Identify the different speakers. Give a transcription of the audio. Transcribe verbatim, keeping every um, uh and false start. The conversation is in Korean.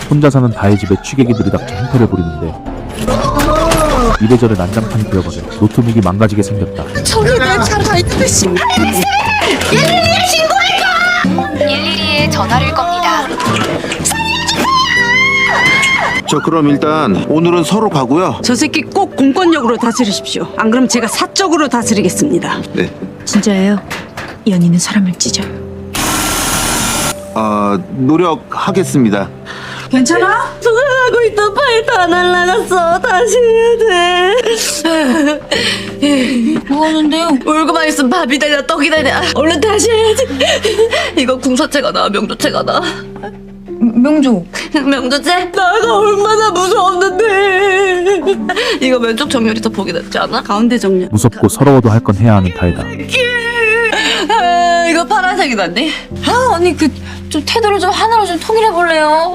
Speaker 1: 혼자 사는 다혜 집에 취객이들이 닥쳐 행패를 부리는데 이래저래 난장판이 되어버려 노트북이 망가지게 생겼다.
Speaker 2: 저기 내 차 가 있는데 씨.
Speaker 3: 일일이에 신고할까? 일일이에 전화를 겁니다.
Speaker 4: 저 그럼 일단 오늘은 서로 가고요.
Speaker 2: 저 새끼 꼭 공권력으로 다스리십시오. 안 그럼 제가 사적으로 다스리겠습니다.
Speaker 4: 네.
Speaker 5: 진짜예요. 연인은 사람을 찢어요.
Speaker 4: 아 노력하겠습니다.
Speaker 2: 괜찮아?
Speaker 3: 하고 있던 파일 다 날라갔어. 다시 해야 돼.
Speaker 5: 뭐 하는데요?
Speaker 3: 울고만 있으면 밥이 되냐 떡이 되냐. 얼른 다시 해야지. 이거 궁서체가 나와 명조체가 나와.
Speaker 5: 명조.
Speaker 3: 명조체? 나가 얼마나 무서웠는데. 이거 왼쪽 정렬이 더 보기 낫지 않아?
Speaker 2: 가운데 정렬.
Speaker 1: 무섭고 서러워도 할 건 해야 하는 다혜다.
Speaker 3: 아, 이거 파란색이 낫니?
Speaker 5: 아 언니 그 좀 태도를 좀 하나로 좀 통일해 볼래요.